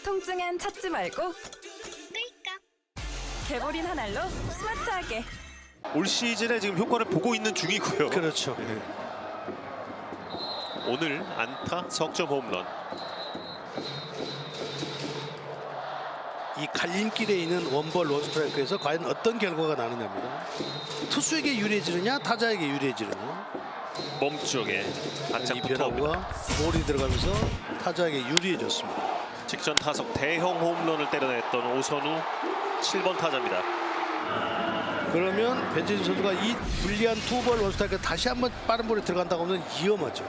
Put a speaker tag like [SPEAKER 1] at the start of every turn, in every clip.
[SPEAKER 1] 통증엔 찾지 말고 개보린 한 알로 스마트하게.
[SPEAKER 2] 올 시즌에 지금 효과를 보고 있는 중이고요.
[SPEAKER 3] 그렇죠.
[SPEAKER 2] 오늘 안타, 석점 홈런.
[SPEAKER 3] 이 갈림길에 있는 원볼 원스트라이크에서 과연 어떤 결과가 나느냐입니다. 투수에게 유리해지느냐 타자에게 유리해지느냐.
[SPEAKER 2] 몸쪽에
[SPEAKER 3] 이
[SPEAKER 2] 바짝 붙어옵니다.
[SPEAKER 3] 변화구가 볼이 들어가면서 타자에게 유리해졌습니다.
[SPEAKER 2] 직전 타석 대형 홈런을 때려냈던 오선우 7번 타자입니다.
[SPEAKER 3] 그러면 배재진 선수가 이 불리한 투볼 원스트라이크 다시 한번 빠른 볼에 들어간다고 하면 위험하죠.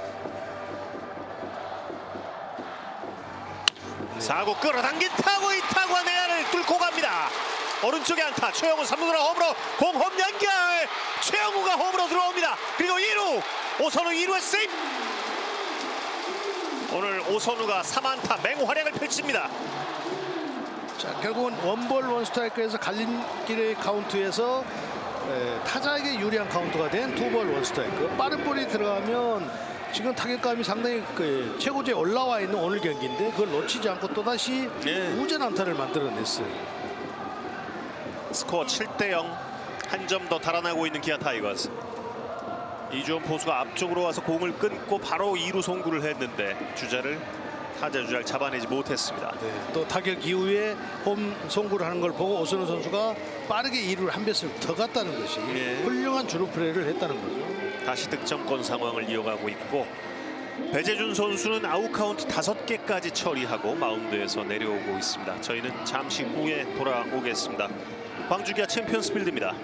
[SPEAKER 2] 4구 끌어당긴 타구, 이 타구가 내야를 뚫고 갑니다. 오른쪽에 안타, 최영우 3루로 홈으로 공홈 연결. 최영우가 홈으로 들어옵니다. 그리고 2루, 오선우 2루에 세이브. 오늘 오선우가 3안타 맹활약을 펼칩니다.
[SPEAKER 3] 자, 결국은 원볼 원스트라이크에서 갈림길의 카운트에서 타자에게 유리한 카운트가 된 투볼 원스트라이크. 빠른 볼이 들어가면 지금 타격감이 상당히 최고조에 올라와 있는 오늘 경기인데 그걸 놓치지 않고 또다시 우전 안타를 만들어냈어요.
[SPEAKER 2] 스코어 7대0, 한 점 더 달아나고 있는 기아 타이거즈. 이주원 포수가 앞쪽으로 와서 공을 끊고 바로 2루 송구를 했는데 주자를 타자 주자를 잡아내지 못했습니다.
[SPEAKER 3] 또 타격 이후에 홈 송구를 하는 걸 보고 오선우 선수가 빠르게 2루를 한 배씩 더 갔다는 것이 훌륭한 주루 플레이를 했다는 거죠.
[SPEAKER 2] 다시 득점권 상황을 이어가고 있고 배재준 선수는 아웃 카운트 5개까지 처리하고 마운드에서 내려오고 있습니다. 저희는 잠시 후에 돌아오겠습니다. 광주 기아 챔피언스 필드입니다.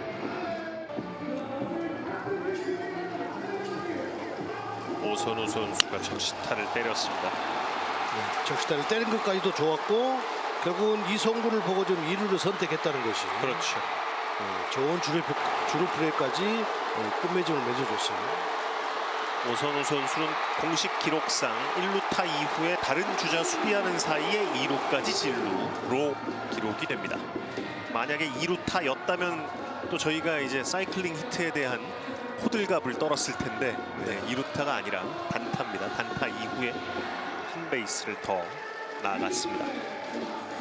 [SPEAKER 2] 오선우 선수가 적시타를 때렸습니다.
[SPEAKER 3] 적시타를 때린 것까지도 좋았고 결국은 이 송구를 보고 좀 2루를 선택했다는 것이
[SPEAKER 2] 그렇죠.
[SPEAKER 3] 좋은 주루 플레이까지 끝맺음을 맺어줬어요.
[SPEAKER 2] 오선우 선수는 공식 기록상 1루타 이후에 다른 주자 수비하는 사이에 2루까지 진루로 기록이 됩니다. 만약에 2루타였다면 또 저희가 이제 사이클링 히트에 대한 호들갑을 떨었을 텐데 2루타가 아니라 단타입니다. 단타 이후에 한 베이스를 더 나아갔습니다.